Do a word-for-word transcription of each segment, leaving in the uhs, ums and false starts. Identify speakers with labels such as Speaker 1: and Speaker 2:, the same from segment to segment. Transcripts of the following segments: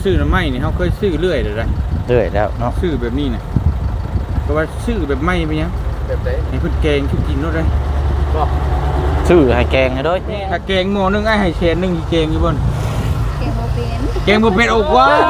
Speaker 1: ซื้อน้ำไม้นี่เขาเคยซื้อเรื่อยเลยนะ
Speaker 2: เรื่อยแล้วเนาะ
Speaker 1: ซื้อแบบนี้นะก็ว่าซื้อแบบไม้ไปยัง
Speaker 3: แบบไหน
Speaker 1: ให้เพิ่นแกงชุบกินรถเลย
Speaker 3: ก็
Speaker 2: ซื้อให้แกงให้ด้วย
Speaker 1: ถ้าแกงหม้อนึงไอ้ให้แชนนึงสิแกงอยู่บ่น
Speaker 4: แกงบ่เป็น
Speaker 1: แกงบ่เป็นโอ้ว้า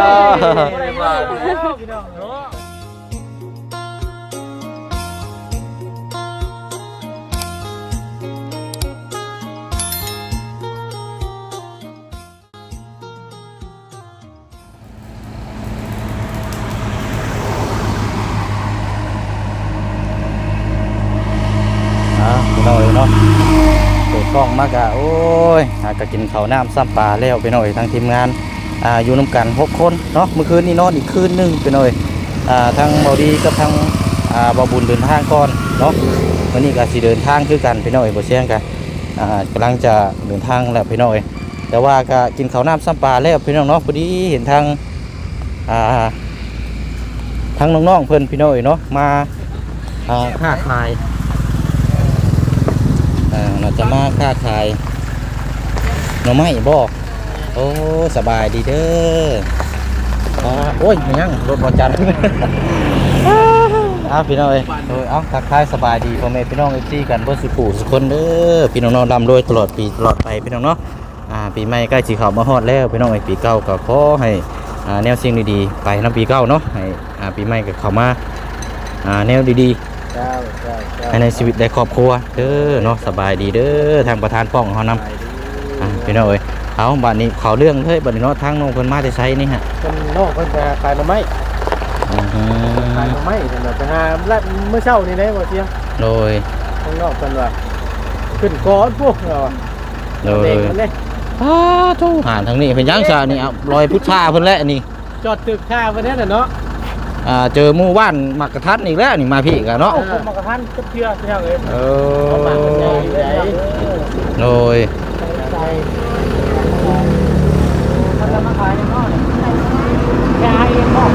Speaker 2: พี่น้อยเนาะเปิดกล้องมากอะโอ้ยหากกินข้าวน้ำซ้ำปลาแล้วไปหน่อยทางทีมงานอ่าอยู่น้ำกันหกคนเนาะเมื่อคืนนี้นอนอีกคืนนึงไปหน่อยอ่าทางเบาดีกับทางอ่าเบาบุญเดินทางก่อนเนาะวันนี้ก็สิเดินทางคือกันไปหน่อยบ่เสี่ยงกันอ่ากำลังจะเดินทางแล้วไปหน่อยแต่ว่าก็กินข้าวน้ำซ้ำปลาแล้วพี่น้องเนาะพอดีเห็นทางอ่าทางน้องๆเพิ่นพี่น้อยเนาะมาอ่าค้าขายเราจะมาค้าขายหน่อไม้บอกโอ้สบายดีเด้อโอ้ยยังรถบอจันเอาพี่น้องเอ้ยเอาทักทายสบายดีพ่อแม่พี่น้องเอฟซีกันเพื่อสุขุสุขคนเด้อพี่น้องนอนดำโดยตลอดปีตลอดไปพี่น้องเนาะอ่าปีใหม่ใกล้สีขาวมาฮอดแล้วพี่น้องไอ้ปีเก่าก็ขอให้อ่าแนวสิ่งดีๆไปน้ำปีเก่าเนาะให้อ่าปีใหม่ก็เข้ามาอ่าแนวดีๆในชีวิตได้ครอบครัวเด้อเนาะสบายดีเด้อทางประธานป้องเขานำพี่น้องเอ้ยเอาบัดนี้เขาเรื่องเฮ้ยบัดนี้เนาะทางน้องเพิ่นมาจะใช้นี่ฮะ
Speaker 3: เป็นนอกเพิ่นไปหาขายหน่อไม้ขายหน่อไม้เพิ่นไปหาแล้วเมื่อเช้านี่ได้บ่เสีย
Speaker 2: โดย
Speaker 3: ข้างนอกเพิ่นว่าขึ้นก้อนพวกเรา
Speaker 2: โดยอ้าทูหาทางนี้เพิ่นยังซะนี่เอาลอยพุทธาเพิ่นแล้วนี่
Speaker 3: จอดตึกค่าเพิ่นนั่นน่ะเนาะ
Speaker 2: อ่าเจอหมู่บ้านมักกะทัดอีกแล้วนี่มาพี่กันเนาะ
Speaker 3: ผมมักกะทัดก็เชื่อเชื่อเลย
Speaker 2: เออโดย
Speaker 3: มันจะมาขายในนอกขายเองนอก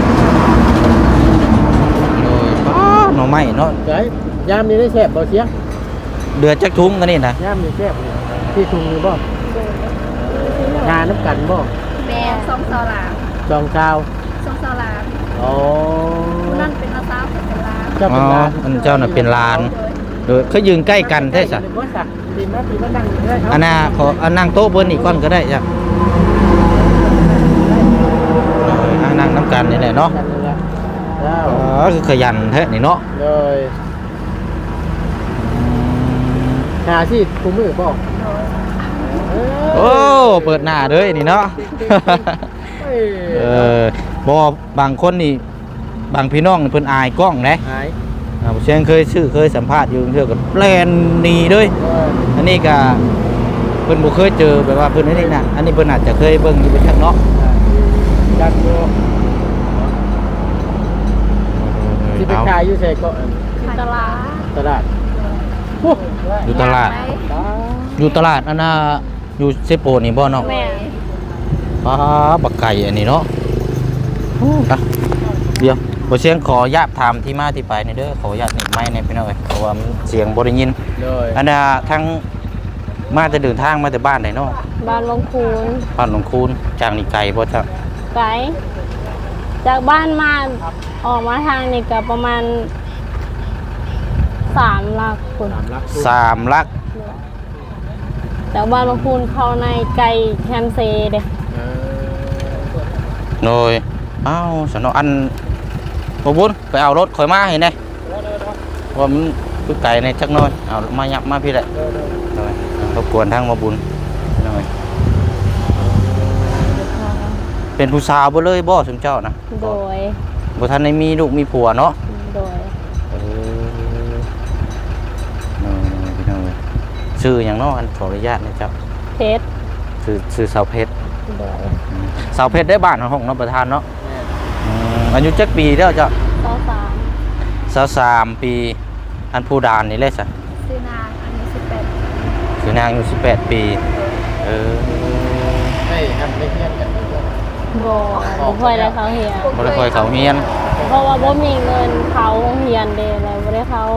Speaker 2: โดยป้าหน่อไม้เนาะ
Speaker 3: ใช่ยามนี้ได้แซ่บบ่เสีย
Speaker 2: เดือดจักทุ่งกันนี่นะ
Speaker 3: ยามนี้แซ่บที่ทุ่งนี่บ่งานน้ำกันบ่
Speaker 4: แม่สองสาวหลาน
Speaker 3: สองชาว
Speaker 4: สองสาวหลาน
Speaker 3: อ๋อ
Speaker 4: นั่นเป็นนาซาวเป็นลาน
Speaker 3: เจ้าเป็นลาน
Speaker 2: อันเจ้าน่ะเป็นลานโดยเขายืนใกล้กันได้สะอันน่ะขออันนั่งโต๊ะบนอีกก้อนก็ได้จ้ะนั่งน้ำกันนี่แหละเนาะอ๋อคือขยันแท้นี่เนาะ
Speaker 3: เลยหาที่กูมือบอก
Speaker 2: โอ้เปิดหน้าเลยนี่เนาะเออบางคนนี่บางพี่น้องเพิ่นอายกล้องนะ
Speaker 3: อาย
Speaker 2: อ่าเช่นเคยชื่อเคยสัมภาษณ์อยู่เทื่อกับแลนนีด้วยอันนี้ก็เพิ่นบ่เคยเจอแบบว่าเพิ่นอันนี้น่ะอันนี้เพิ่นอาจจะเคยเบิ่งอยู่เป็นชักเนาะ
Speaker 3: จักอยู่ที่ไปขายอยู่ไสก็
Speaker 4: ตลาด
Speaker 3: ตลาด
Speaker 2: อยู่ตลาดอยู่ตลาดอันน่ะอยู่เซโปนี่บ่เนาะ
Speaker 4: แม่
Speaker 2: ป้าบักไก่อันนี้เนาะเดี๋ยวบ่เสียงขอญาตถามที่มาที่ไปในเด้อขอญาตนี่ไม้ในพี่น้องเอ้ยเพราะว่าเสียงบ่ได้ยินอันน่ะทั้งมาจะเดินทางมาแต่บ้านไหนเนาะ
Speaker 4: บ้านลงคูน
Speaker 2: บ้านหลวงคูนจากนี่ไกลบ่จ๊ะ
Speaker 4: ไกลจากบ้านมาออกมาทางนี่ก็ประมาณสามลักคุณ
Speaker 2: สามลัก
Speaker 4: จากบ้านลงคูนเข้าในไกลแคมเซเด้
Speaker 2: โดยอ้าวสนออันบ่บุญไปเอารถข่อยมาเห็นได้ว่ามันคือไก่ในจักน้อยเอามายับมาพี่แหละรบกวนทางบ่บุญหน่อยเป็นผู้สาวบ่เลยบ่สมเจ้านะ
Speaker 4: โดย
Speaker 2: บ่ทันได้มีลูกมีผัวเนาะ
Speaker 4: โดย
Speaker 2: เออพี่น้องชื่อหยังเนาะอันขออนุญาตนะเจ้า
Speaker 4: เพชร
Speaker 2: ชื่อชื่อสาวเพชรสาวเพชรได้บ้านของน้องประธานเนาะอายุจักปีแล้วจ้ะ
Speaker 4: สาวสาม
Speaker 2: สาวสามปีอันผู้ดานนี่เลยสิ
Speaker 4: ชื่อนางอายุสิบแปด
Speaker 2: ชื่อนางอายุสิบแปดปีเออ
Speaker 3: ไม่ทำไม่เฮียนกัน
Speaker 4: บ่บ่ค่อยได้เขาเฮียน
Speaker 2: บ่ได้ค่อยเขาเฮียน
Speaker 4: เพราะว่าบ่มีเงินเขาเฮียนเด้เลยบ่ได้เขา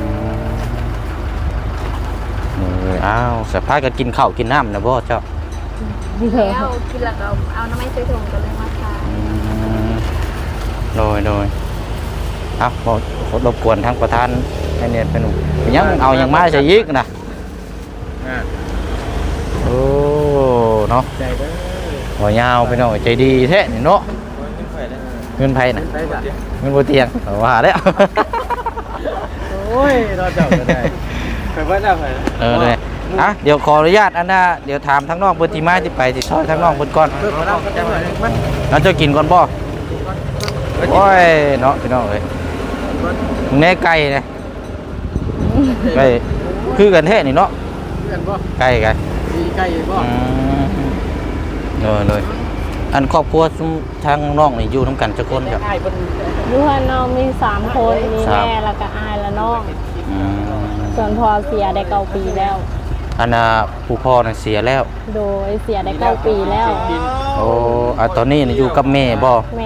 Speaker 2: เอออ้าวสภาพก็กินข้าวกินน้ำนะบ่เจ้า
Speaker 5: แล้วกินแล้วก็เอาน้ำไม้ใส่ถุงก็เลยมาขาย
Speaker 2: อืมโดยโดยเอาบ่รบกวนทางประธานให้เนี่ยเป็นยังเอายังมาใส่ยิกนะ
Speaker 1: อ่า
Speaker 2: โอ้เนาะ
Speaker 3: ใจเด้อ
Speaker 2: หัวยาวไปหน่อยใจดีแท้นี่เนาะ
Speaker 1: เงินไฟได้
Speaker 2: เงินไผน่ะ
Speaker 3: ไปจ้ะ
Speaker 2: เงินบ่เตียงเอาว่าแล้ว
Speaker 3: โอ้ยเราเจ้าก็ได้ไปว่าได้ไป
Speaker 2: เออเลยอ่ะเดี๋ยวขออนุญาตอันน่ะเดี๋ยวถามทั้งน้องเพิ่นที่มาที่ไปสิซอยทั้งน้องเพิ่นก่อน
Speaker 3: เพิ่มมาแล้วก็ได้มัน
Speaker 2: แล้วจะกินก่อนบ่โอ้ยเนาะพี่น้องเอ้ยมึงแน่ไก่เนี่ยไก่คือกันแท้นี่เนาะ
Speaker 3: เพื่อนบ่
Speaker 2: ไก่ไก่
Speaker 3: มีไก่บ่
Speaker 2: อืมเลยเลยอันครอบครัวซุมทางน้องนี่อยู่นํกันจักคนครับ
Speaker 3: ไก่เพิ่น
Speaker 4: อยู่ข้างนอกมีสามคนมี
Speaker 2: ครับ
Speaker 4: แม่แล้วก็อายและน้อง
Speaker 2: อืม
Speaker 4: ส่วนพ่อเสียได้เก้าปีแล้ว
Speaker 2: อันน่ะผู้พ่อน่ะเสียแล้ว
Speaker 4: โดยเสียได้เก้าปีแล้ว
Speaker 2: โอ้อ่ะตอนนี้น่ะอยู่กับแม่บ่
Speaker 4: แม่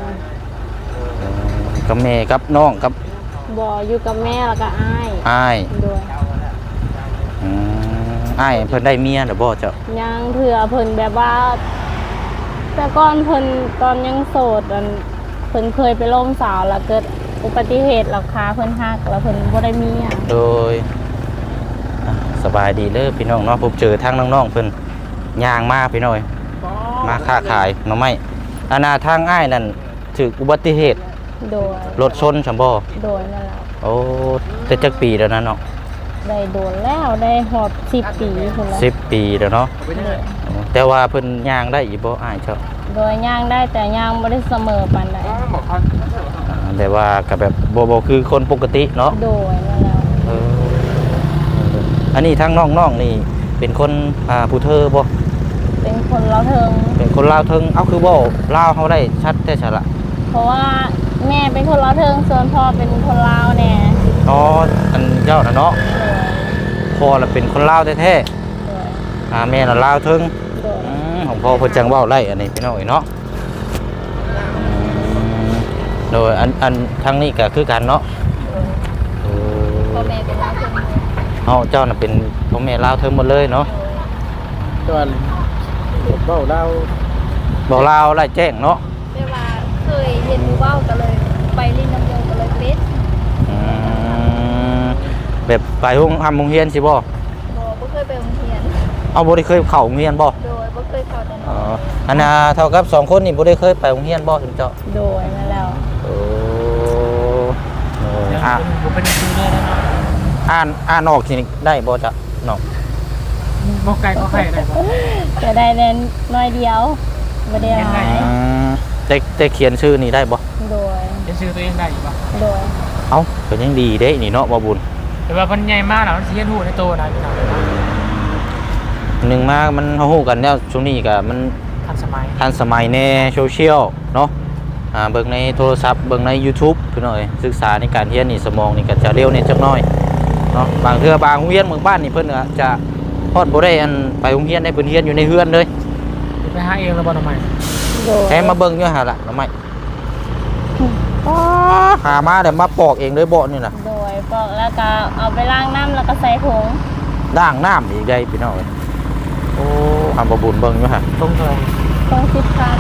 Speaker 2: กับแม่กับน้องกับ
Speaker 4: บ่อยู่กับแม่แล้วก็อาย
Speaker 2: อ้าย
Speaker 4: โดย
Speaker 2: อืมอ้ายเพิ่นได้เมียแล้วบ่เจ้า
Speaker 4: ยังเถื่อเพิ่นแบบว่า แต่ก่อนเพิ่นตอนยังโสดอันเพิ่นเคยไปล่มสาวแล้วเกิดอุบัติเหตุแล้วขาเพิ่นหักแล้วเพิ่นบ่ได้เมีย
Speaker 2: โดยอ่ะสบายดีเลยพี่น้องเนาะพบเจอทางน้องๆเพิ่นย่างมาพี่น้อยมาค้าขายหน่อไม้อันน่ะทางอ้ายนั่นถูกอุบัติเหตุ
Speaker 4: โดย
Speaker 2: รถชนซั่นบ่
Speaker 4: โดยนั่นแหละ
Speaker 2: โอ้แต่จักปีแล้วนะเนาะ
Speaker 4: ได้โดนแล้วได้หอบสิบปีพุ่นแล้ว
Speaker 2: สิบปีแล้วเนาะ
Speaker 4: โดย
Speaker 2: แต่ว่าเพิ่นย่างได้อีกบ่อ้ายเจ้า
Speaker 4: โดยย่างได้แต่ย่างบ่ได้เสมอปานใด
Speaker 2: อ่าแต่ว่าก็แบบบ่บ่คือคนปกติเนาะ
Speaker 4: โดยนั่นแหละ
Speaker 2: เอออันนี้ทางน้องๆนี่เป็นคนอ่าผู้เธอบ่
Speaker 4: เป็นคนเราเทิง
Speaker 2: เป็นคนลาวเทิงเอ้าคือบ่ลาวเฮาได้ชัดแต่ฉะละ
Speaker 4: เพราะว่าแม่เป็นคนเราเทิงส่วนพ่อเป็นคนลาวแน่
Speaker 2: อ๋ออันเจ้าน่ะเนาะ
Speaker 4: โดย
Speaker 2: พ่อน่ะเป็นคนลาวแท้
Speaker 4: โดย
Speaker 2: ๆอ่าแม่น่ะลาวเทิง
Speaker 4: โดย
Speaker 2: อืมของพ่อเพิ่นจังเว้าไล่อันนี้พี่น้องเอ้ยเนาะอืมโดยอันอันทางนี้ก็คือกันเนาะเอ
Speaker 5: พ่อ
Speaker 2: อ
Speaker 5: แม่เป็นลาวเพิ่น
Speaker 2: เฮาเจ้าน่ะเป็นพ่อแม่ลาวเทิงหมดเลยเนาะ
Speaker 3: ตอนเบ้าเรา
Speaker 2: บอกลาวไล่แจ้งเนาะ
Speaker 5: แต่ว่าเคยเห็นหมู่เว้าก็เลยไปลิ้นน้ำยงก็เลยเป็ด
Speaker 2: อืมแบบไปโรงทำโรงเรียนสิบ่
Speaker 5: บ่บ่เคยไปโรงเรียน
Speaker 2: เอาบ่ได้เคยเข้าโรงเรียนบ่
Speaker 5: โดยบ่เคยเข้าแต่
Speaker 2: อ๋
Speaker 5: น้
Speaker 2: อ
Speaker 5: อย
Speaker 2: อันน่ะเท่ากับสองคนนี่บ่ได้เคยไปโรงเรียนบ่ถึงเจ้า
Speaker 4: โดยนั่นแล้ว
Speaker 2: โอ้โอ้ยอ่ะ
Speaker 3: ผมเป็นครูได้แล้วเนาะ
Speaker 2: อ่านอ่านออกสิได้บ่จ๊ะน้อง
Speaker 3: บ่ไก่ก็ไข่ได้บ่
Speaker 4: จะได้เน้นน้อยเดียวบ่ได้หลาย
Speaker 2: อืมแต่แต่เขียนชื่อนี่ได้บ่
Speaker 4: โดย
Speaker 3: จะซื้อตัวเองได้อีกบ่
Speaker 4: โดย
Speaker 2: เอ้าก็ยังดีเด้นี่เนาะบ่บุญ
Speaker 3: แต่ว่าเพิ่นใหญ่มากแล้วมันสิเฮ็ดฮู้ในโตนะพี่น้อง
Speaker 2: หนึ่งมามันเฮาฮู้กันแล้วช่วงนี้ก็มัน
Speaker 3: ทันสมัย
Speaker 2: ทันสมัยในโซเชียลเนาะอ่าเบิ่งในโทรศัพท์เบิ่งใน YouTube พี่น้อยศึกษาในการเรียนนี่สมองนี่ก็จะเร็วนิดจักหน่อยเนาะบางเทื่อบางโรงเรียนเมืองบ้านนี่เพิ่นก็จะฮอดบ่ได้อันไปโรงเรียนได้เพิ่นเรียนอยู่ในเฮือนเลย
Speaker 3: ไปหาเองแล้วบ่ทำไม
Speaker 4: โดย
Speaker 2: แค่มาเบิ่งอยู่หั่นล่ะน้ำไม้อ๋อหามาเดี๋ยวมาปอกเองเลยบ่นี่น่ะ
Speaker 4: โดยปอกแล้วก็เอาไปล้างน้ำแล้วก็ใส่ถุง
Speaker 2: ด่างน้ำอีกได้พี่น้อยโอ้หาบ่บุญเบิ่งอยู่หั่น
Speaker 3: ตรงเท่าไหร่
Speaker 4: ต้องสิบพัน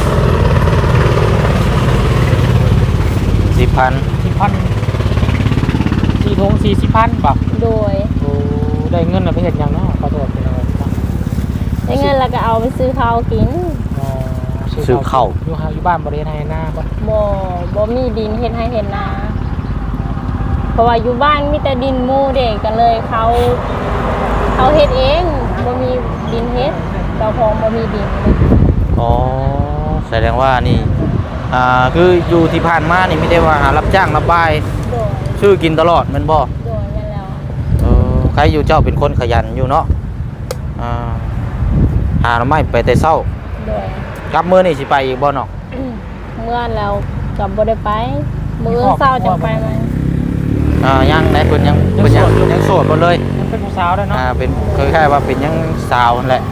Speaker 2: สิบพัน
Speaker 3: สี่พันสี่ทงสี่สิบพันบ่
Speaker 4: โดย
Speaker 3: โอ้ได้เงินน่ะไปเฮ็ดหยังเนาะขอโทษพี่น้อง
Speaker 4: ได้เงินแล้วก็เอาไปซื้อข้าวกิน
Speaker 3: อ๋อ
Speaker 2: ซื้อข้าว
Speaker 3: อยู่หาอยู่บ้านบ่ได้ให้หน้าบ่
Speaker 4: บ่บ่มีดินเฮ็ดให้เฮ็ดนาเพราะว่าอยู่บ้านมีแต่ดินหมู่เด็กกันเลยเขาเขาเฮ็ดเองบ่มีดินเฮ็ดเจ้าของบ่มีดิน
Speaker 2: อ๋อแสดงว่านี่อ่าคืออยู่ที่ผ่านมานี่ไม่ได้ว่าหารับจ้างรับบาย
Speaker 4: โดย
Speaker 2: ชื่อกินตลอดแมันบ่
Speaker 4: โดยนั่นแล้ว
Speaker 2: เออใครอยู่เจ้าเป็นคนขยันอยู่เนาะอ่าหาหน่อไม้ไปแต่เช้า
Speaker 4: โดย
Speaker 2: กลับมื้อนี่สิไปอีกบ่เนาะ
Speaker 4: เมื่อแล้วก็บ่ได้ไปมื้อเช้าจังไปมัน
Speaker 2: อ่ายังไหนเพิ่นยังเพิ่นยังยังโสดบ่เลย
Speaker 3: ยังเป็นผู้สาวได้เนาะ
Speaker 2: อ่าเป็นคล้ายๆว่าเป็นยังสาวนั่นแหละ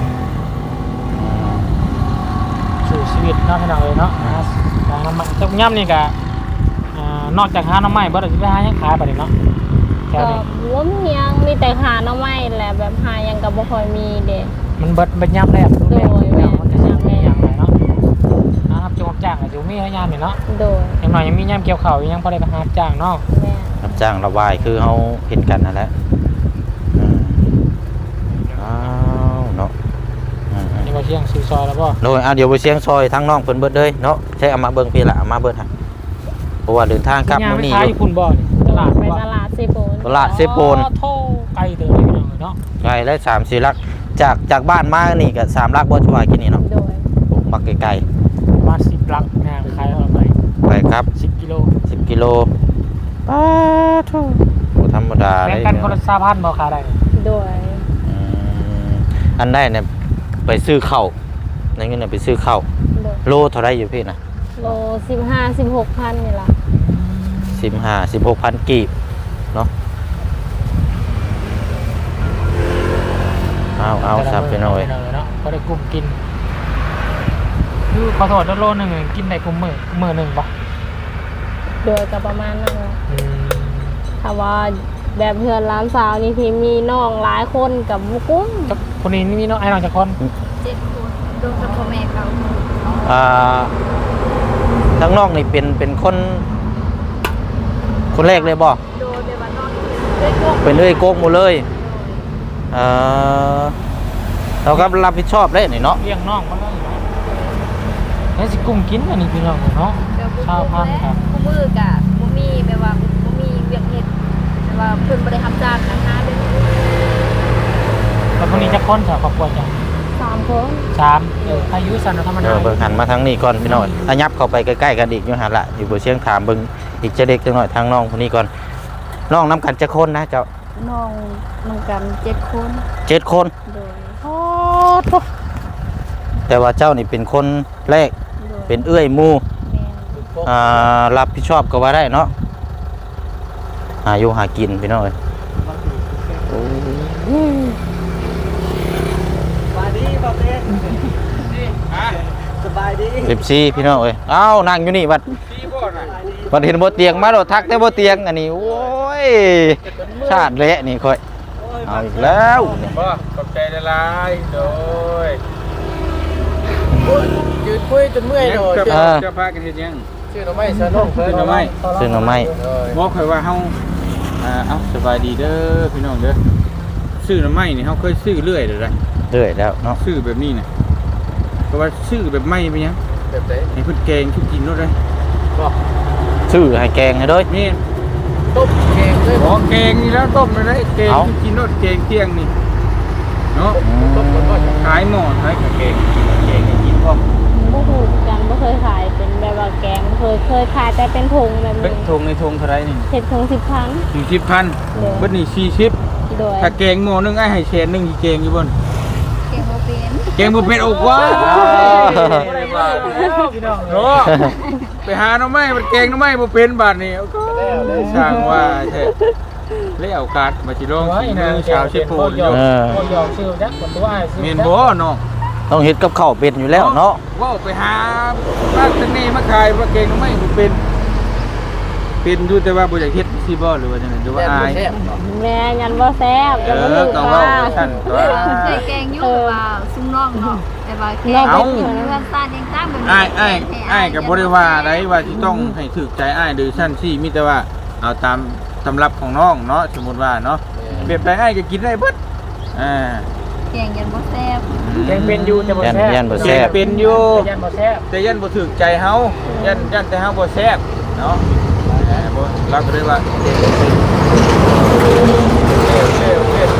Speaker 3: สู่ชีวิตเนาะพี่น้องเอ้ยเนาะหาหาน้ำมันจักย่ำนี่ก็อ่านอกจากหาน้ำไม้บ่ได้สิไปหาหยังขายบัดนี้เนาะ
Speaker 2: ก
Speaker 4: ก็
Speaker 3: นี้
Speaker 4: บ่มีหยังมีแต่หาหน่อไม้แหละแบบหาหยังก็บ่ค่อยมีเด้
Speaker 3: มันเบิดเบิดย่ำแรกทุกแรก
Speaker 4: โดยแม่
Speaker 3: มันจะสิมีย่ำเลยเนาะนะครับจงรับจ้างอาจจะมีให้ย่ำนี่เนาะ
Speaker 4: โดย
Speaker 3: อย่างน้อยยังมีย่ำเกี่ยวข้าวยังพอได้ไปหารับจ้างเนาะ
Speaker 4: แม่
Speaker 2: รับจ้างระบายคือเฮาเห็นกันนั่นแหละอืมอ้าวเนาะอืม
Speaker 3: นี่ว่าเชียงซื้อซอยแล้วบ่
Speaker 2: โดยอ่ะเดี๋ยวไปเชียงซอยทั้งน้องเพิ่นเบิดเลยเนาะใช้เอามาเบิ่งพี่ละเอามาเบิดฮะเพราะว่าเดินทางกลับมื้อนี้
Speaker 3: ย่าง
Speaker 2: อ
Speaker 3: ไปขาย
Speaker 2: ยู่
Speaker 3: คุณบ่นี่ตลาด
Speaker 4: ไป
Speaker 3: บ่
Speaker 4: ตลาดเซโปน
Speaker 2: ตลาดเซโปน
Speaker 3: อ๋อโทไกลเติบเลยพี่น้องเนาะ
Speaker 2: ไกลได้สามสี่ลักจากจากบ้านมานี่ก็สามลักบ่ชว่ากินนี่เนาะ
Speaker 4: โดย
Speaker 2: โอ้บักไกล
Speaker 3: ประมาณสิบลักงานขายเอาไป
Speaker 2: ๆไปครับ
Speaker 3: สิบกิโล
Speaker 2: สิบกิโลป้าทุบ่ธรรมดา
Speaker 3: แบ่
Speaker 2: เล
Speaker 3: ง
Speaker 2: ย
Speaker 3: กันคนละสามพันบ่ขายได้
Speaker 4: โดย
Speaker 2: อืมอันได้เนี่ยไปซื้อข้าวในเงินเนี่ยไปซื้อข้าว
Speaker 4: โดย
Speaker 2: โลเท่าไรอยู่พี่นะ
Speaker 4: โลสิบห้า สิบหกพันนี่ล่ะ
Speaker 2: สิบห้าสิบหกพันกีบเนาะเอาเอาสับไปหน่อย
Speaker 3: เนาะก็ได้กลุ่มกินคือขอโทษโลหนึงกินได้กลุ่มมื้อมื้อหนึงบ่
Speaker 4: โดยก็ประมาณนั้นแหละ
Speaker 3: อืม
Speaker 4: ถ้าว่าแบบเพื่อนร้านสาวนี่ที่มีน้องหลายคนกับบุกุ้ม
Speaker 3: กับคนนี้มีน้องไอ้น้องจักคน
Speaker 5: เจ็ดคนรวมกับพ่อแม่เขา
Speaker 2: อ่าทั้งนอกนี่เป็นเป็นคน คนแรกเลยบ่
Speaker 5: โดยแบบว่านอนด้วยพวก
Speaker 2: เป็นเอ้ยโกกหมดเลยเออเราก็รับผิดชอบเลยนี่เนาะ
Speaker 3: เลี้ยงน้องมันได้เนาะแล้วสิกลุ่มกินอันนี้พี่น้องเนาะ
Speaker 5: เดี๋ยวบุก
Speaker 3: ชาวพันธุ์ครับ
Speaker 5: คู่มือกะบ่มีแบบว่าบ่มีเวียกเฮ็ดแต่ว่าเพิ่นบ่ได้รับจ้างนะคะเด้อ
Speaker 3: แล้วคนนี้จักคนจ้ะครอบครัวจ้ะ
Speaker 4: สามคน
Speaker 3: สามเอออายุสันธรรม
Speaker 2: เอ
Speaker 3: ดา
Speaker 2: อเบิ่งหันมาทางนี้ก่อนพี่น้อยอายับเข้าไปใกล้ๆกันอีกอยู่หันละอยู่บนเชียงถามเบิ่งอีกจะเด็กจังหน่อยทางน้องคนนี้ก่อนน้องน้ำกันจะคนนะเจ้า
Speaker 5: น้องน้องกันเจ็ดคน
Speaker 2: เจ็ดคน
Speaker 5: โดย
Speaker 2: แต่ว่าเจ้านี่เป็นคนแรก
Speaker 5: โดย
Speaker 2: เป็นเอื้อยหมู
Speaker 5: แม่
Speaker 2: อ่ารับผิดชอบก็ว่าได้เนาะหาอยู่หากินพี่น้อย
Speaker 3: สบายดีบ่เด้สบายดี
Speaker 2: สิบสี่พี่น้องเอ้ยเอ้านั่งอยู่นี่บัดบัดเห็นบ่เตียงมาโดดทักแต่บ่เตียงอันนี้โอ้ยชาติเละนี่ค่อยเอาอีกแล้วนี่
Speaker 1: บ่ขอบใจละลายโดย
Speaker 3: ยืนคุยจนเมื่อยเลย
Speaker 1: จะจะพากันเฮ็ดหยัง
Speaker 3: ชื่อหน่อไม้เสื้อน้องเพิ่น
Speaker 1: ชื่อหน่อไม้
Speaker 2: ซื้อหน่อไม้
Speaker 1: บอกค่อยว่าเฮาอ่าเอ้าสบายดีเด้อพี่น้องเด้อซื้อหน่อไม้นี่เฮาเคยซื้อเรื่อยเด้อได้
Speaker 2: เรื่อยแล้วเนาะ
Speaker 1: ซื้อแบบนี้น่ะก็ว่าซื้อแบบไม่ไปหยัง
Speaker 3: แบบไหน
Speaker 1: ให้เพิ่นแกงทุกกินเนาะได้
Speaker 3: บอก
Speaker 2: ซื้อให้แกงให้เด้ย
Speaker 1: แม่น
Speaker 3: ต้มแกงเลย
Speaker 1: อ๋อแกงนี่แล้วต้มเลยได้แกง
Speaker 2: เอ้า
Speaker 1: ทุกกินเนาะแกงเที่ยงนี่เนาะ
Speaker 3: ต้มก่อนก็
Speaker 1: ขายหม้อขายกับแกงแกงให้กินพร้อม
Speaker 4: บ่ฮู้กันบ่เคยขายเป็นแบบว่าแกงเคยเคยขายแต่เป็นถุงแบบ
Speaker 1: เป็น
Speaker 4: นี้
Speaker 1: ทงในทงเท่าไรนี่
Speaker 4: เฮ็ดถุงสิบพัน
Speaker 1: สี่สิบพัน
Speaker 4: เด้อ
Speaker 1: เบิดนี่สี่สิบ
Speaker 4: โดย
Speaker 1: ถ้าแกงหม้อนึงไอ้ให้แสนหนึงสิแกงอยู่บ่น
Speaker 5: เก่งบ่เป็น
Speaker 1: แกงบ่เป็นโอ้ว้า
Speaker 3: พี่น้อง
Speaker 1: โอ้ไปหาหน่อไม้มันแกงหน่อไม้บ่เป็นบาดนี้โอ้โหสร้างว่าแท้เลยเอาการ์ดมาสิลองสิมือชาวเชฟโพนอยู่
Speaker 2: เออ
Speaker 3: โอ้ยอมชื่อจักคนตัวอ้ายชื่อ
Speaker 1: แม่นบ่เนาะ
Speaker 2: ต้องเฮ็ดกับข้าวเป็นอยู่แล้วเนาะ
Speaker 1: ว้าวไปหาบ้านเสน่ห์มาขายว่าเก่งไม่บ่เป็น เป็นอยู่แต่ว่าบ่อยากเฮ็ดสิบ่หรือว่าจังได๋หรือว่าอาย
Speaker 4: แม่ยันบ่แซ่บ
Speaker 1: เอ
Speaker 4: จะบ่
Speaker 1: อ
Speaker 4: รู้
Speaker 1: ก็
Speaker 4: ว่า
Speaker 1: เว้าซั่นตัว
Speaker 5: เคยแกงอยู่แต่ว่าซุ่มน้องเนาะแต่ว่าแกง
Speaker 1: เอ้า
Speaker 5: เพื่อนซ่านยังตั้งแบบ
Speaker 1: อ้ายอ้ายอ้ายก็บ่ได้ว่าไดว่าสิต้องให้ถูกใจอ้ายหรือซั่นซี่มีแต่ว่าเอาตามตำรับของน้องเนาะสมมุติว่าเนาะแบบใดอ้ายก็กินได้เบิดอ่า
Speaker 5: แกงยันบ่แซ่บ
Speaker 3: แกงเป็นอยู่แต่บ่
Speaker 2: ยัน
Speaker 3: แซ่บ
Speaker 2: ยันบ่
Speaker 1: แซ่
Speaker 2: แซ่
Speaker 1: บบ เป็นอยู่
Speaker 3: ยันบ่แซ่บ
Speaker 1: แต่ยันบ่ถูกใจเฮายันยันแต่เฮาบ่แซ่บเนาะเออบ่เราก็เลยว่าเร็วเร็วเร็ว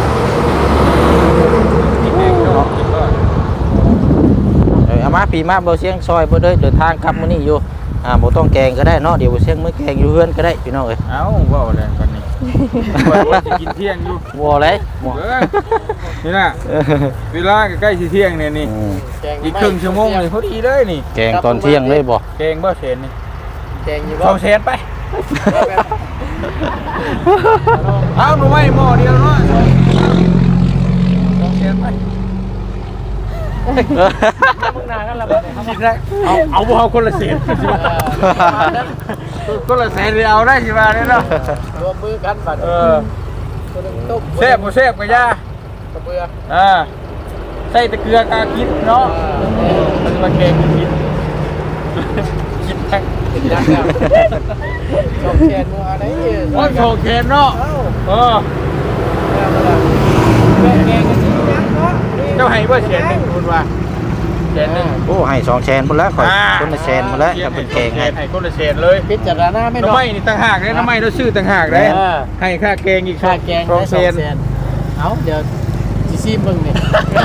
Speaker 1: กินเองเนาะกินบ่
Speaker 2: เออเอามาปีมาบ่เสียงซอยบ่เด้อเดินทางกลับมื้อนี้อยู่อ่าบ่ต้องแกงก็ได้เนาะเดี๋ยวบ่เสียงมื้อแกงอยู่เฮือนก็ได้พี่น้องเอ้ย
Speaker 1: เอ้าเว้าแล้วกันนี่ว่าว่าสิกินเที่ยงอยู่
Speaker 2: บ่เลยบ่
Speaker 1: เออนี่น่ะเวลาก็ใกล้สิเที่ยงเนี่ยนี่
Speaker 2: อืม
Speaker 1: อีกครึ่งชั่วโมงนี่พอดีเลยนี่
Speaker 2: แกงตอนเที่ยงเลยบ่
Speaker 1: แกงบ่เสร็จนี่
Speaker 3: แกงอยู่บ่
Speaker 1: สองแสนไปเอาหนูไว้หม้อเดียวเนาะสองแสนไป
Speaker 3: มึงนากันละบัดนี้
Speaker 1: คิดได้เอาเอาบ่เอาคนละแสนคนละแสนเลยเอาได้สิว่าเนี่ยเนาะ
Speaker 3: รวมมือกันบัด
Speaker 1: เออ
Speaker 3: คนหนึงต้ม
Speaker 1: แซ่บบ่แซ่บก็ย่าก
Speaker 3: ระเบือ
Speaker 1: อ่าใส่แต่เกลือกาคิดเนาะมันมาแกงคิดคิดแท้
Speaker 3: กินยักษ์แล้วชอบแคนมัวอะไร
Speaker 1: โอ้ยโชว์แขนเนาะ
Speaker 3: เอ้า
Speaker 1: เออ
Speaker 3: แล้วมาแล้วแกงแกงกันสิยักษ์เนาะ
Speaker 1: เจ้าให้บ่แสนหนึงคุณว่าแสนหนึง
Speaker 2: โอ้ให้สองแชนพุ่นแล้วข่อยคนละแชนมาแล้วจะเป็นแกงให้
Speaker 1: ให้คนละแสนเลย
Speaker 3: พิจารณาไม่
Speaker 1: น้ำ
Speaker 3: เนาะ
Speaker 1: ไม้นี่ต่างหากเลยน้ำไม้เราซื้อต่างหากเลย
Speaker 3: เออ
Speaker 1: ให้ค่าแกงอีก
Speaker 3: ค่าแกง
Speaker 1: สอง
Speaker 3: ได้
Speaker 1: แส
Speaker 3: สอง
Speaker 1: น
Speaker 3: แสนเอาเดี๋ยวสิซีมึงนี่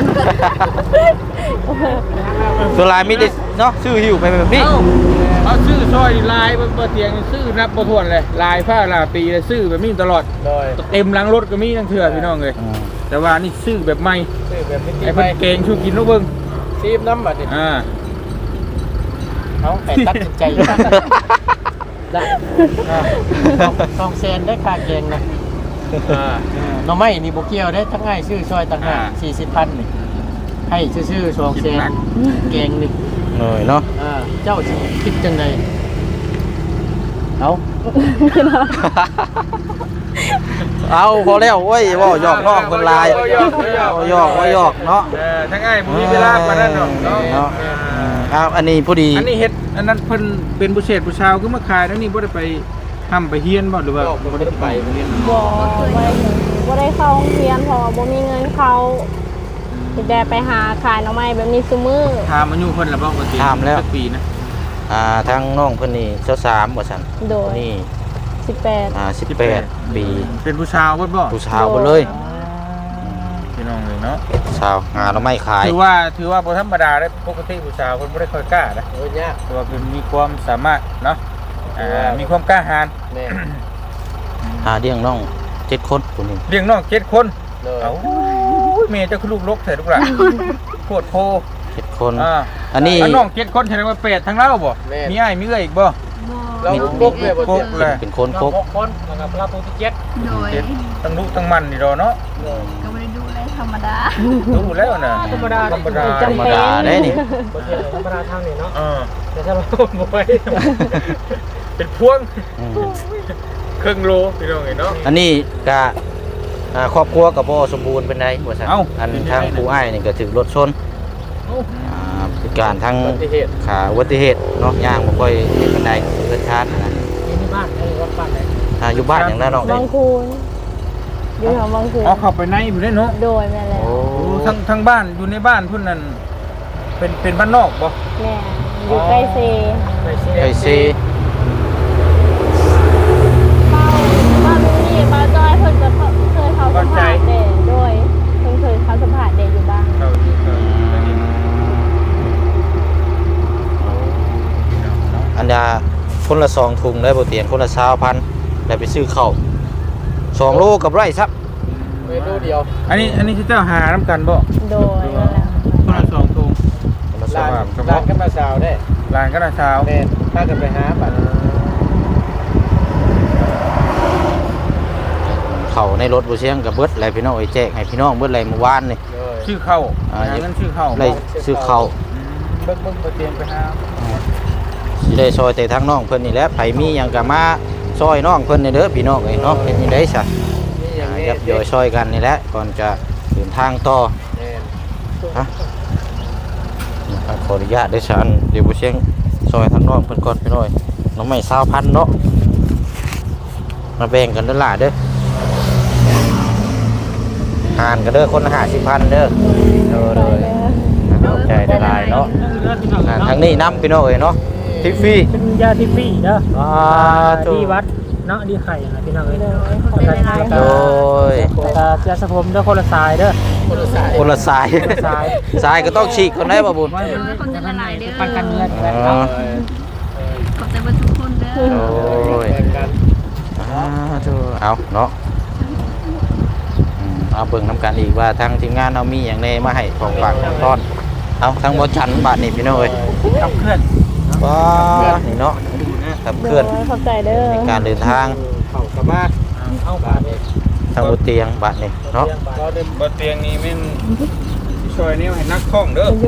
Speaker 2: ตัวลายมีแต่เนาะซื้อหิวไปแบบนี้
Speaker 1: เอ้าเอาซื้อซอยลายบนเตียงซื้อนับบ่ถ้วนเลยลายผ้าลาปีเลยซื้อแบบนี้ตลอด
Speaker 3: โดย
Speaker 1: เต็มหลังรถก็มีทั้งเถื่อพี่น้องเลย
Speaker 2: อืม
Speaker 1: แต่ว่านี่ซื้อแบบใหม่
Speaker 3: ซื้อแบบนี้
Speaker 1: ไอ้
Speaker 3: ไป
Speaker 1: เพิ่นเกงชูกินลูกเบิ้ง
Speaker 3: ซีมน้ำบัดนี่
Speaker 1: อ่า
Speaker 3: เอาแต่ตัดสินใจได้สองแสนได้ค่าแกงนะ
Speaker 1: อ่า
Speaker 3: หน้องไม้นี่โบเกียวได้ทั้งง่ายชื่อซอยต่างหาก
Speaker 1: อ่า
Speaker 3: สี่สิบพันนี่ให้ชื่อๆสองแสนแกงหนึ่ง
Speaker 2: หน่อยเนาะ
Speaker 3: อ่าเจ้าสิคิดจังไงเอา
Speaker 2: เอาพอแล้วเว้ยเว่าหยอกน้องคนลาย
Speaker 1: เว้าหยอกเว้าหยอก
Speaker 2: เว้าหยอกเว่าหยอกเนาะ
Speaker 1: เออทั้งไอ้ผมมีเวลาปานนั้นเนาะเนาะ
Speaker 2: เนาะเอาอันนี้พอดี
Speaker 1: อันนี้เฮ็ดอันนั้นเพิ่นเป็นผู้เศษผู้ชาวคือมาขายแล้วนี่บ่ได้ไปทำไปเฮียนบ่หรือว่าบ่ได้ไปเรียน
Speaker 4: บ่บ่ได้บ่ได้เข้าโรงเรียนเพราะว่าบ่มีเงินเข้าสิได้ไปหาขายหน่อไม้แบบนี้ซุมื้อ
Speaker 1: ถามอายุเพิ่นแล้วบ่ปกติสักปีนะ
Speaker 2: อ่าทางน้องเพิ่นนี่เจ้าสามว่าซั่น
Speaker 4: โดย
Speaker 2: นี่
Speaker 4: สิบแปด
Speaker 2: อ่าสิบแปดปี
Speaker 1: เป็นผู้ชาวเบิดบ่
Speaker 2: ผู้สาวหมดเลย
Speaker 1: พี่น้องเลยเนาะ
Speaker 2: สาวหาเราไม่ขาย
Speaker 1: ถือว่าถือว่าบ่ธรรมดาเด้ปกติผู้ชาวเพิ่นบ่ได้ค่อยกล้านะ
Speaker 3: โอ้ยยาก
Speaker 1: แต่ว่าเพิ่นมีความสามารถเนาะอ่ามีความกล้าหาญ
Speaker 3: แน่
Speaker 2: หาเลี้ยงน้องเจ็ดคนคนนี้
Speaker 1: เลี้ยงน้องเจ็ดคน
Speaker 3: เลย
Speaker 1: เอ้าแม่เจ้าคือลูกลกแท้ลูกหลานโคตรโพ
Speaker 2: เจ็ดคน
Speaker 1: อ่า
Speaker 2: อันนี้
Speaker 1: น้องเจ็ดคนแสดงว่าเป็ดทั้งเราบ่มีอ้ายมีเอื้อยอีกบ่
Speaker 3: เราพกเลยบ่
Speaker 1: พก
Speaker 3: เจ็บ
Speaker 1: เลย
Speaker 2: เป็นคน
Speaker 3: เรา
Speaker 2: พก
Speaker 3: พกคนนะครับเราพกที่เจ็ด
Speaker 5: โดย
Speaker 1: เจ็ดตั้งลูกตั้งมันนี่ดอกเนาะ
Speaker 5: ก็ไม่ได้ดูแลธรรมดา
Speaker 1: รู้แล้วน่ะ
Speaker 3: ธรรมดา
Speaker 1: ธรรมดา
Speaker 2: ธรรมดาได้นี่
Speaker 3: บ่เจ็บธรรมดาทางนี้เนาะ
Speaker 1: เออ
Speaker 3: แต่ถ้าเราบ่ไป
Speaker 1: เป็นพวง
Speaker 2: อืม
Speaker 1: ครึ่งโลพี่น้องเห็นเนาะ
Speaker 2: อันนี้กะอ่าครอบครัวกับบ่สมบูรณ์เป็นไดว่าซั่น
Speaker 1: เอ้า
Speaker 2: อันทางผู้อ้ายนี่ก็ถึกรถชนอ่าพิการทาง
Speaker 3: อุบัติเหตุ
Speaker 2: ขาอุบัติเหตุเนาะย่างบ่ค่อยเห็นปานใดเกิดชาตินะ
Speaker 3: นี่ที่บ้านไอ้วัดบ้านไหน
Speaker 2: อ่าอยู่บ้านอย่างนั้นน้อง
Speaker 4: บางคูนอยู่แถวบางคูน
Speaker 1: เอาเข้าไปในอยู่ได้เนาะ
Speaker 4: โดยแม่แล้ว
Speaker 2: โอ้
Speaker 1: โอ้ทั้งทั้งบ้านอยู่ในบ้านพุ่นนั่นเป็นเป็นบ้านนอกบ่
Speaker 4: แม่อยู่ใกล้เซ
Speaker 3: ไปเสีย
Speaker 2: ไอซี
Speaker 4: เป้าบ้านนี่ป้าจอยเพิ่นจะเคยเขาสัมผัสเด็กด้วยเพิ่นเคยเขาสัมผัสเด็กอยู่บ้าง
Speaker 1: เข้าอยู่เข้าอยู่ได้นี่พี่น้องเนาะ
Speaker 2: อันดาคนละสองถุงได้บ่เตียนคนละยี่สิบพันได้ไปซื้อข้าวสองโลกับไรซับ
Speaker 3: เมนูเดียว
Speaker 1: อันนี้อันนี้ที่เจ้าหาน้ำกันบ่
Speaker 4: โดยนั่นแหละ
Speaker 1: คนละสองถุง
Speaker 2: คนละสอ
Speaker 3: ร้าง น
Speaker 1: เฉพาะ
Speaker 3: ร้านกันมาสาวได้
Speaker 1: ร้านก็น่าเช้า
Speaker 3: แม่นถ้ากันไปหาบัด
Speaker 2: เขาในรถบ่เสียงกับเบิดอะไรพี่น้องไอ้แจกให้พี่น้องเบิดอะไรเมื่อวานนี่
Speaker 3: เลย
Speaker 1: ชื่อเข้า
Speaker 2: อ่า
Speaker 1: หาเงินชื่อเข้า
Speaker 2: ได้ซื้อข้าว
Speaker 1: อืมเบิ่งเบิ่งบ่เตรียมไปหา
Speaker 2: สิได้ซอยแต่ทางน้องเพิ่นนี่แหละไผมีหยังก็มาซอยน้องเพิ่นนี่เด้อพี่น้องเอ้ยเนาะเป็นจังได๋ซะ
Speaker 3: นี่อย่าง
Speaker 2: อ่า
Speaker 3: นี้
Speaker 2: ยับย่อยซอยกันนี่แหละก่อนจะเดินทางต่อ
Speaker 3: แม่น
Speaker 2: ฮะขออนุญาตเด้อฉันเดี๋ยวบ่เสียงซอยทางน้องเพิ่นก่อนพี่น้อยน้องใหม่ยี่สิบพันเนาะมาแบ่งกันเด้อล่ะเด้อหารกันเด้อคนละห้าสิบพันเด้อเด้อเด้อเข้าใจได้หลายเนาะอ่าทางนี้นำพี่น้องเอ้ยเนาะทิฟฟี่
Speaker 3: เป็นยาทิฟฟี่เด้อ
Speaker 2: อ่าถูก
Speaker 3: ที่วัดเนาะดีไข่นะพี่น้องเอ้ย
Speaker 2: โดย
Speaker 3: แล้วก็ยาสระผมเด้อคนละสายเด้อคนละสาย
Speaker 2: คนละสาย
Speaker 3: สาย
Speaker 2: สายก็ต้องฉีกคนได้ป่ะบุญ
Speaker 5: เออคนจะละลายเด้อ
Speaker 3: ปันกันเงิน
Speaker 2: อ๋อ
Speaker 5: ขอบใจว่าทุกคนเด้อ
Speaker 2: โอ้ยอ่าถูกเอาเนาะอืมเอาเบิ่งน้ำกันอีกว่าทางทีมงานเอามีอย่างในมาให้ของฝากของต้อนเอาทางบอชันบาทนี่พี่น้องเอ้ย
Speaker 3: ขับเคลื่อน
Speaker 2: ว้านี่เนาะขับเคลื่อน
Speaker 4: โดยขอบใจเด้อ
Speaker 2: ในการเดินทาง
Speaker 3: เข่ากลับบ้านเข้าบ้านนี่
Speaker 2: ทางบนเตียงบาทนี่เนาะ
Speaker 3: เราเดิน
Speaker 1: บ่เตียงนี้แม่นช่วยนิ้วให้นักท่องเด้อ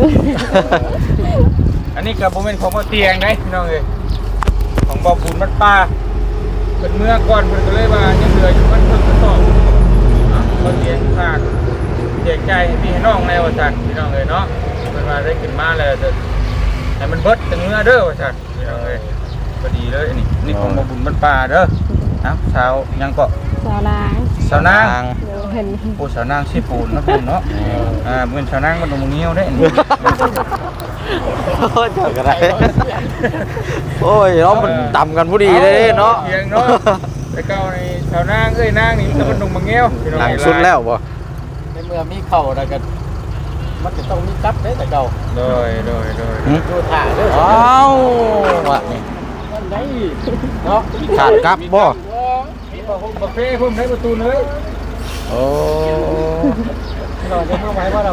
Speaker 1: อันนี้ก็บ่แม่นของบ่เตียงเด้พี่น้องเอ้ยของบ่บุญวัดป่าเพิ่นเมื่อก่อนเพิ่นก็เลยว่ายังเหลืออยู่มันเพิ่นก็ตอบคนเลี้ยงฝากแจกใจให้พี่ให้น้องในว่าซั่นพี่น้องเอ้ยเนาะเพิ่นว่าได้ขึ้นมาแล้วจะให้มันเบิดจังเนื้อเด้อว่าซั่นพี่น้องเอ้ยพอดีเลยนี่นี่ของบ่บุญบ้านป่าเด้อเอ้าสาวยังก็
Speaker 4: สาวนาง
Speaker 1: สาวนาง
Speaker 4: เดี๋ยวเห็น
Speaker 1: โอ้สาวนางสิปูนเนาะคุณเนาะอ่าเหมือนสาวนางมันตรงเงี้ยวได้นี่
Speaker 2: โอ้ยเจ้าก็ได้โอ้ยเนาะมันต่ำกันพอดีเลยเนาะ
Speaker 1: เพียงเนาะแต่เก่าในสาวนางเอ้ยนางนี่มันตรงเงี้ยวพี่น้อง
Speaker 2: หลัง
Speaker 1: เอ้ย
Speaker 2: สุดแล้วบ่
Speaker 3: ในเมื่อมีเข่าแล้วก็มันจะต้องมีจับได้แต่เก่า
Speaker 1: โดยโดยโดย
Speaker 3: ดูถ่าเด้อ
Speaker 2: อ้าวว่ะนี่
Speaker 3: นั่นได้เนาะ
Speaker 2: ขาดกลับบ่
Speaker 1: มีบ่ฮุบบ่เฟ่พุ่มให้ประตูเลย
Speaker 2: โอ้
Speaker 3: เราจะเข้าไว้ว่าเรา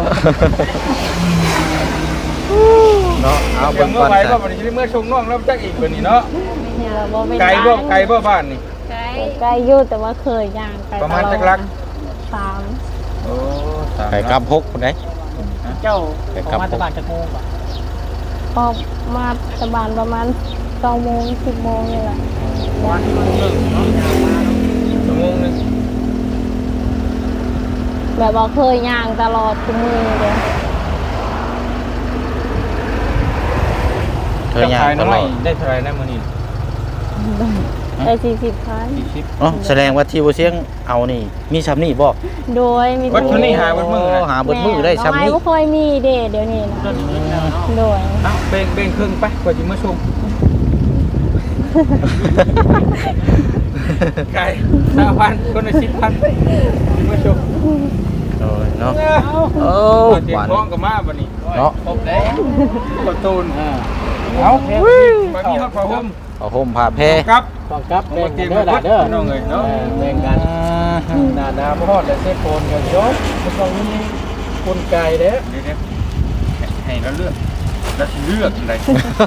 Speaker 2: เนาะเอา
Speaker 1: เดี๋
Speaker 2: เบิ่
Speaker 1: ยว
Speaker 2: ง
Speaker 1: เมื่
Speaker 2: ก่
Speaker 1: อ
Speaker 2: อน
Speaker 1: ไหร่
Speaker 2: จ้ะ
Speaker 1: บ่วันนี้เมื่อชงน้องแล้วจักอีกบัดนี้เนาะ
Speaker 4: เนี่ยเราบ่เป็น
Speaker 1: ไกลบ่ไกลบ่บ้านนี่
Speaker 5: ไกล
Speaker 4: ไกลอยู่แต่ว่าเคยย่างไกล
Speaker 1: ประมาณจักลัก
Speaker 4: สาม
Speaker 1: โอ้สาม
Speaker 2: ไก่กลับหกคนไหน
Speaker 3: เจ้าของมาตะบานจะโมงป่ะ
Speaker 4: ออกมาตะบานประมาณเก้าโมงสิบโมงนี่แหละ
Speaker 3: วันที่มันเลิกเนาะยาวมา
Speaker 1: ชั่วโมงนึง
Speaker 4: แบบว่าเคยย่างตลอดทุกมือเลย
Speaker 2: เคยย่างตลอด
Speaker 1: ได้เท่าไหร่นะมื้อนี้
Speaker 4: ได้สี่สิบพัน
Speaker 1: สี่สิบ
Speaker 2: เนาะแสดงว่าที่บ่เสียงเอานี่มีซ้ำนี่บ่
Speaker 4: โดยมี
Speaker 1: วัดเท่านี้หาวัดมือ
Speaker 2: โหาเบิดมือได้ซ้ำนี่
Speaker 4: แม่บ่ค่อยมีเด้เดี๋ยวนี้นะ
Speaker 3: ต้นนี้แล้วเนาะ
Speaker 4: โดย
Speaker 1: เอ้าเบ่งเบ่งครึ่งไปกว่าสิมาชมไก่ห้าพันคนละสิบพันมาชม
Speaker 2: โอ้ยเนาะโอ้
Speaker 1: เตรีย
Speaker 2: ห
Speaker 1: ม
Speaker 2: วาน
Speaker 1: พร้อมกับมาบัดนี้
Speaker 2: เนาะ
Speaker 3: ครบแล้ว
Speaker 1: ประตูน
Speaker 3: อ่า
Speaker 1: เอาบัดนี้ฮอดพระห่ม
Speaker 2: เอาห่มผ้าแพร
Speaker 1: ครับ
Speaker 3: ต้องกับแบ่งกันเด้อล่ะเด้อ
Speaker 1: น้องเอ้ยเนาะ
Speaker 3: แบ่งกันหน้าน้ำฮอดและเซฟโฟนกันยกมันต้องมีคนไก่เด้อ
Speaker 1: เดี๋ยวๆให้เราเลือกเราสิเลือกอะไร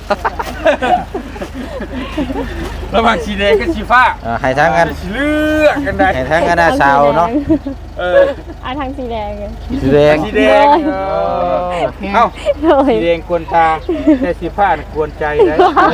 Speaker 1: ระหว่างสีแดงกับสีฟ้า
Speaker 2: อ่าให้ทั้งกัน
Speaker 1: สิเลือกกันได้
Speaker 2: ให้ทั้งกันนะสาวเนาะ
Speaker 1: เออ
Speaker 4: อ่ะทางสีแดงเลย
Speaker 2: สีแดง
Speaker 1: สีแดงเออเอ้า
Speaker 4: โดย
Speaker 1: สีแดงกวนตาแต่สีฟ้าน่ะกวนใจได้
Speaker 2: เอ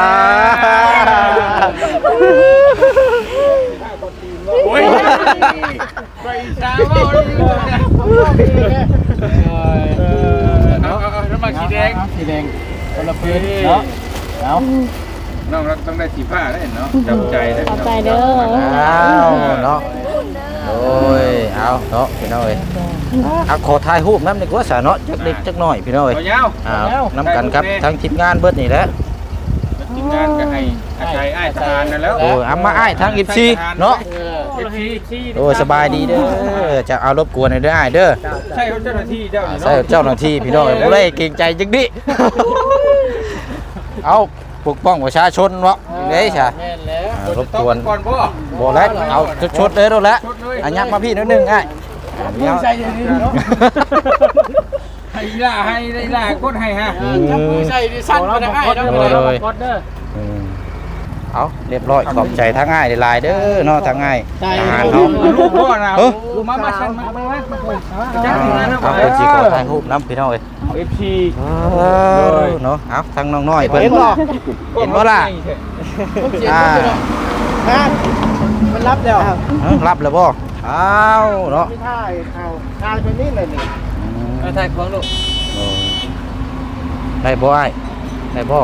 Speaker 2: อ
Speaker 1: โอ้ยไปช้าเมาเลยเออเอาเอาเอาแล้วมาสีแดง
Speaker 3: สีแดงคนละพื้นเนาะเอา
Speaker 1: น้องเราต้องได้สีฟ้าได้เนาะจำใจได้
Speaker 4: ขอบใจเด้อ
Speaker 2: อ้าวเนาะโอ้ยเอาเนาะพี่น้องเอ้ยเอาขอถ่ายรูปน้ำดีกว่าสาเนาะจักเล็กจักน้อยพี่น้องเอ้ย
Speaker 1: เอาเงา
Speaker 2: อ้าวน้ำกันครับทั้งทีมงานเบิดนี่แหละ
Speaker 1: ทีมงานก็ให้อาชัยอ้ายทหารนั่นแล้ว
Speaker 2: โอ้ยเอามาอ้ายทั้งอีซีเนาะ
Speaker 3: เออ
Speaker 1: เอฟซีซี
Speaker 2: โอ้ยสบายดีเด้อจะเอารบกวนหน่อยเด้ออ้ายเด้อ
Speaker 1: ใช่เขาเจ้าหน้าที่เจ้า
Speaker 2: อ่า
Speaker 1: นี่
Speaker 2: ใส่
Speaker 1: เนาะ
Speaker 2: เจ้าหน้าที่พี่น้องเอ้ยบ่ได้เกรงใจจักดิ เอาปกป้องประชาชนเนาะเด้ซะ
Speaker 3: แม่นแล้ว
Speaker 2: อ่ารบกวน
Speaker 1: ก่อนบ่
Speaker 2: บ่แล้วเอาชดๆเลยโดนแล้วอันยักมาพี่นิดนึงอ้าย
Speaker 3: มึงใส่เดี๋ยวนี้เนาะ
Speaker 1: ให้ล่าให้ได้ล่ากดให้ฮะ
Speaker 3: จับมือใส่ดิสั้นไปได้ง่ายแล้ว
Speaker 2: โอ้ยโอ้ย อืมเอาเรียบร้อยขอบใจทั้งง่ายหลายๆเด้อเนาะทั้งง่ายทหารเนาะ
Speaker 1: ลูกพ่อนะ
Speaker 2: เอ้อ
Speaker 1: ลูกมามาชันมามามา
Speaker 2: จ้าเอาเป็นสิขอถ่ายรูปน้ำพี่น้องเอ้ย
Speaker 1: เอฟซี
Speaker 2: เนาะเอาทั้งน้องน้อยเพิ่นเห็นบ่ล่ะอ่า
Speaker 3: มันรับแล้ว
Speaker 2: เอ้อรับแล้วบ่อ้าวเนาะ
Speaker 3: ไม่ถ่ายเอาถ่ายไปนี่เลยนี่
Speaker 2: อืม
Speaker 1: ไปถ่ายของลูก
Speaker 2: โอ้ยได้บ่อ้ายได้บ่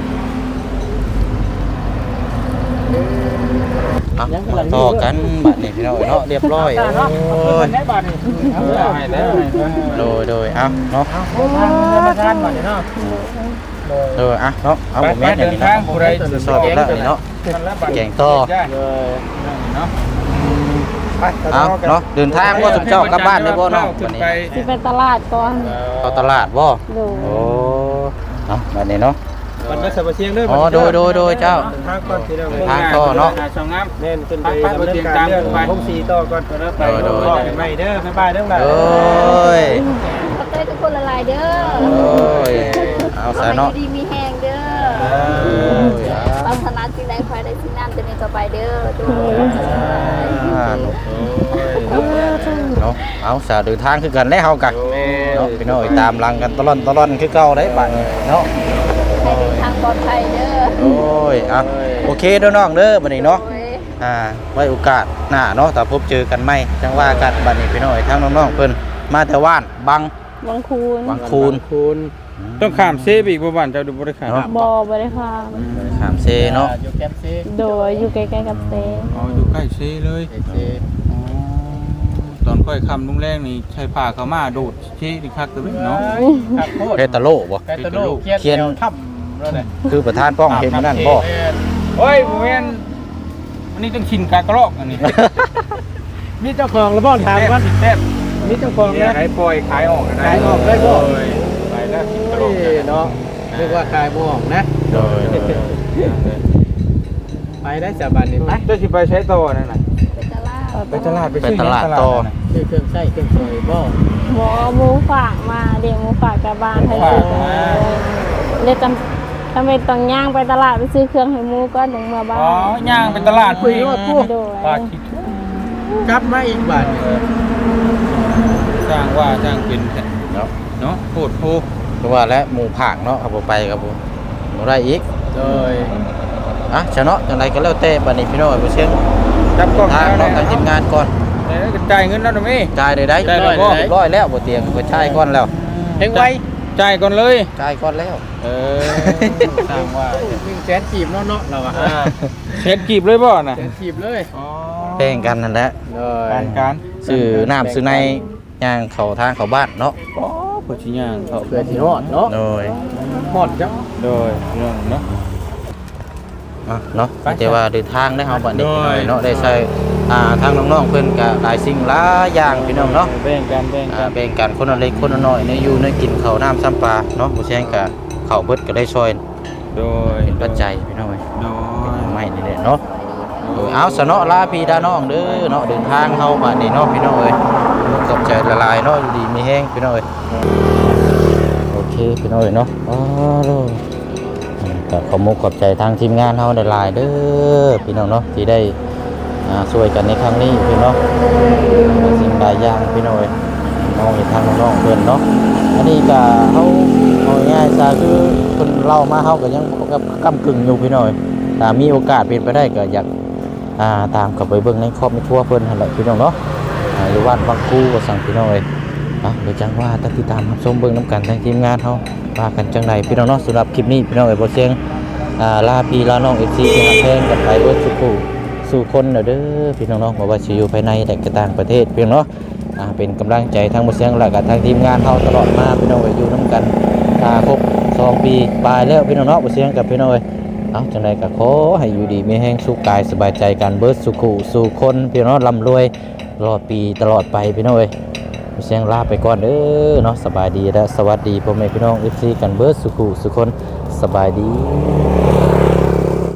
Speaker 2: เอาต่อกันบัดนี้พี่น้องเอ้ยเนาะเรียบร้อยโอ้ย
Speaker 3: ได้บาทนี่
Speaker 1: ให้แล้ว
Speaker 2: โดยโดยเอาเนาะ
Speaker 3: มาทานบาทนี่เนาะ
Speaker 2: เอออ่ะเนาะเอา
Speaker 1: ไป
Speaker 2: ผม
Speaker 1: ไป
Speaker 2: แม่นอ
Speaker 1: เดิ
Speaker 2: ย่าง
Speaker 1: น
Speaker 2: นี้
Speaker 1: ทาง
Speaker 2: เนาะ
Speaker 1: ผู้ใด
Speaker 2: สอบแล้วนี่เนาะ แกงต่อ
Speaker 1: เนาะ
Speaker 2: เอาเนาะเดินทางว่าสุเจ้ากลับบ้านได้บ่เนาะวันนี้
Speaker 4: สิไปตลาดก่อน
Speaker 2: เข้าตลาดบ่
Speaker 4: ดู
Speaker 2: โอ้เอาบัดนี้เนาะ
Speaker 1: มันไม่สับเสียงเด้อ
Speaker 2: อ๋อโดยโดยโดยเจ้า
Speaker 3: ทางก่อนสิเรา
Speaker 2: ทางต่อเนาะ
Speaker 1: สองงาม
Speaker 3: เน่นขึ้นไปดำเนินการเรื่องห้องสีต่อก่อนแล้วไปรอกันใหม่เด้อบ๊ายบายเด้อ
Speaker 2: โอ้ย
Speaker 5: ขอบใจทุกคนละลายเด้อ
Speaker 2: โอ้ยเอาซะเนาะ
Speaker 5: ดีมีแหงเด้อ
Speaker 2: โอ้ยอ่ะ
Speaker 5: ปรารถนาสิ่งใดขอให้ได้สิ่งนั้นจะมีต่อไปเด้อทุกคน
Speaker 2: อ่าเนาะเนาะเอาสาเดินทางคือกันแล้วเฮากะเนาะพี่น้อยตามหลังกันตลอดตลอดคือเก่าได้บัดนี้เนาะ
Speaker 5: ให้เดินทางปลอดภัยเด้อ
Speaker 2: โอ้ยอ่ะโอเคเด้อน้องเด้อบัดนี้เนาะ
Speaker 5: โอ้ย
Speaker 2: ออ่าไว้โอกาสหน้าเนาะถ้าพบเจอกันใหม่จังว่ากันบัดนี้พี่น้อยทั้งน้องๆเพิ่นมาแต่ว่านบัง
Speaker 4: บางคูน
Speaker 2: บางคูณ
Speaker 3: คูณ
Speaker 1: ต้องข้ามเซฟอีกบ่บ้านเจ้าดูบ่ได้ข้าม
Speaker 2: เนาะ
Speaker 4: บ่บ่ได้ค่ะ
Speaker 2: ถามเซเนาะ
Speaker 3: อยู่แคมป์ซี
Speaker 4: โดยอยู่ใกล้ๆกับเซ
Speaker 1: อ๋ออยู่ใกล้เซเลย
Speaker 3: เอซี
Speaker 1: อ๋อตอนค่อยค่ำลุงแรงนี่ใช้ผ้าเข้ามาโดดเชนี่คักตัวนี้เนาะ
Speaker 3: ครับโคตร
Speaker 2: เพตาโลบ่
Speaker 3: แคตาโลเขียน
Speaker 2: เขียน
Speaker 3: แนวถ้ำแล้วเนี่ย
Speaker 2: คือประธานป้องเห็นมันนั่นบ่
Speaker 1: โอ้ยบ่แม่นอันนี้ต้องชินกากระรอกอันนี้
Speaker 3: มีเจ้าของแล้วบ่ถามว่า
Speaker 1: แซ่บ
Speaker 3: มีเจ้าของ
Speaker 1: เนี่ย
Speaker 3: นะ
Speaker 1: ขายปล่อยขายออกได้
Speaker 3: ขายออกได้บ่
Speaker 1: โอ้ยไปแล้วชินกระรอก
Speaker 3: โอ้ยเนาะเรียกว่าขายบ่ออกนะ
Speaker 2: โดย
Speaker 3: ไปได้สาบันนี่ไป
Speaker 1: เจ้าสิไปใช้ต่อนั่นน่ะ
Speaker 5: ไปตลาด
Speaker 1: ไปตลาดไปซื้อ
Speaker 2: ไปตลาด
Speaker 1: หยัง
Speaker 2: ต่อ
Speaker 1: น่ะ
Speaker 3: ซื้อเครื่องใช้เครื่องซอยบ่
Speaker 4: หมอหมูฝากมาเดี๋ยวหมูฝากกลับบ้านให้ซื้อเลยจำจำเป็นต้องย่างไปตลาดไปซื้อเครื่องให้หมูก่อนถึงเมื่อบ้า
Speaker 1: อ๋อย่างไปตลาด
Speaker 3: คุยว่าพวก
Speaker 4: โดย
Speaker 1: ปลาขี้ทุก
Speaker 3: กลับมาอีกบาทนี่
Speaker 1: สร้างว่าสร้างเป็นแท้
Speaker 2: เนาะ
Speaker 1: เนาะโคตรโพ
Speaker 2: คือว่าและหมู่ผากเนาะครับบ่ไปครับผมบ่ได้อีก
Speaker 3: โดย
Speaker 2: อ่ะชะเนาะจังไดก็แล้วแต่บัดนี้พี่น้อยบ่เชียง
Speaker 1: จับกล้อง
Speaker 2: ทาง
Speaker 1: แล้ว
Speaker 2: เนาะทางทีมงานก่อน
Speaker 1: แต่ก็จ่ายเงินแล้วนะแม่
Speaker 2: จ่ายได้ได้
Speaker 1: จ่าย
Speaker 2: ร้อย
Speaker 1: แล้วบ่
Speaker 2: เรียบร้อยแล้วบ่เตียงเพิ่นจ่ายก่อนแล้ว
Speaker 3: เฮงไว
Speaker 1: จ่ายก่อนเลย
Speaker 2: จ่ายก่อนแล้ว
Speaker 1: เออสร้างว่า
Speaker 3: หนึ่งแสนกีบเนาะเนาะเราอะ
Speaker 1: อ่าเช็ดกีบเลยบ่น่ะ
Speaker 3: แสนกีบเลย
Speaker 1: อ๋อ
Speaker 2: แป้งกันนั่นแหละ
Speaker 3: โดย
Speaker 1: การการ
Speaker 2: ซื้อน้ำซื้อในย่างเข้าทางเข้าบ้านเนาะ
Speaker 1: อ๋อผู้ชิย่างเขา
Speaker 3: เพื่อที่ฮอดเนาะ
Speaker 2: โดย
Speaker 3: ฮอดจัง
Speaker 1: โดยเรื่องเนาะ
Speaker 2: อ่ะเนาะ
Speaker 1: ไป
Speaker 2: แต่ว่าเดินทางได้เฮาบัดนี้
Speaker 1: โดย
Speaker 2: พี่น้อยเนาะได้ใช้อ่าทางน้องๆเพิ่นก็หลายสิ่งหลายอย่างพี่น้องเนาะ
Speaker 1: แบ่งกันแบ่ง
Speaker 2: อ่า
Speaker 1: กัน
Speaker 2: แบ่งกันคนละเล็กคนละน้อยในอยู่ในกินข้าวน้ำซ้ำปลาเนาะบ่แซงก็ข้าวเบิดก็ได้ช่วย
Speaker 1: โดย
Speaker 2: เป็นปัจจัยพี่น้องเอ้ย
Speaker 1: โดย
Speaker 2: ไม่นี่แหละเนาะโดยเอาซะเนาะลาพี่ดาน้องเด้อเนาะเดินทางเฮาบัดนี้เนาะพี่น้องเอ้ยขอบใจละลายเนาะอยู่ดีมีแฮงพี่น้องเอ้ยโอเคพี่น้องเอ้ยเนาะอ๋อโลก็ขอมุกขอบใจทางทีมงานเฮาหลายๆเด้อพี่น้องเนาะที่ได้อ่าช่วยกันในครั้งนี้พี่น้องสิ่งหลายอย่างพี่น้องเอ้ยน้องเห็นทางน้องๆเพิ่นเนาะอันนี้ก็เฮาเอาง่ายๆซะคือเพิ่นเล่ามาเฮาก็ยังกำกึ่งอยู่พี่น้องเอ้ยถ้ามีโอกาสเป็นไปได้ก็อยากอ่าตามกลับไปเบิ่งในครอบในครัวเพิ่นหั่นแหละพี่น้องเนาะอ่าอยู่บ้านบางคูก็สั่งพี่น้องเอ้ยอ่ะเดี๋ยวจังว่าตัดติดตามรับชมเบิ่งนํกันทางทีมงานเฮาว่ากันจังไดพี่น้องเนาะสำหรับคลิปนี้พี่น้องเอ้ยบ่เสียงอ่าลาพี่ลาน้อง เอฟ ซี ที่ฮักแพงกันไปเบิดสุขสู่คนเด้อพี่น้องเนาะบ่ว่าสิอยู่ภายในและก็ต่างประเทศพี่น้องเนาะอ่าเป็นกำลังใจทางบ่เสียงและก็ทางทีมงานเฮาตลอดมาพี่น้องเอ้ยอยู่นํกันอ่าครบสองปีปลายแล้วพี่น้องเนาะบ่เสียงกับพี่น้องเอ้ยเอาจังไดก็ขอให้อยู่ดีมีแรงสุขกายสบายใจกันเบิดสุขสู่คนพี่น้องเนาะร่ำรวยตลอดปีตลอดไปพี่น้องเอ้ยบ่เสียงลาไปก่อนเด้อเนาะสบายดีและสวัสดีพ่อแม่พี่น้อง เอฟ ซี กันเบิดสุขสู่คนสบายดี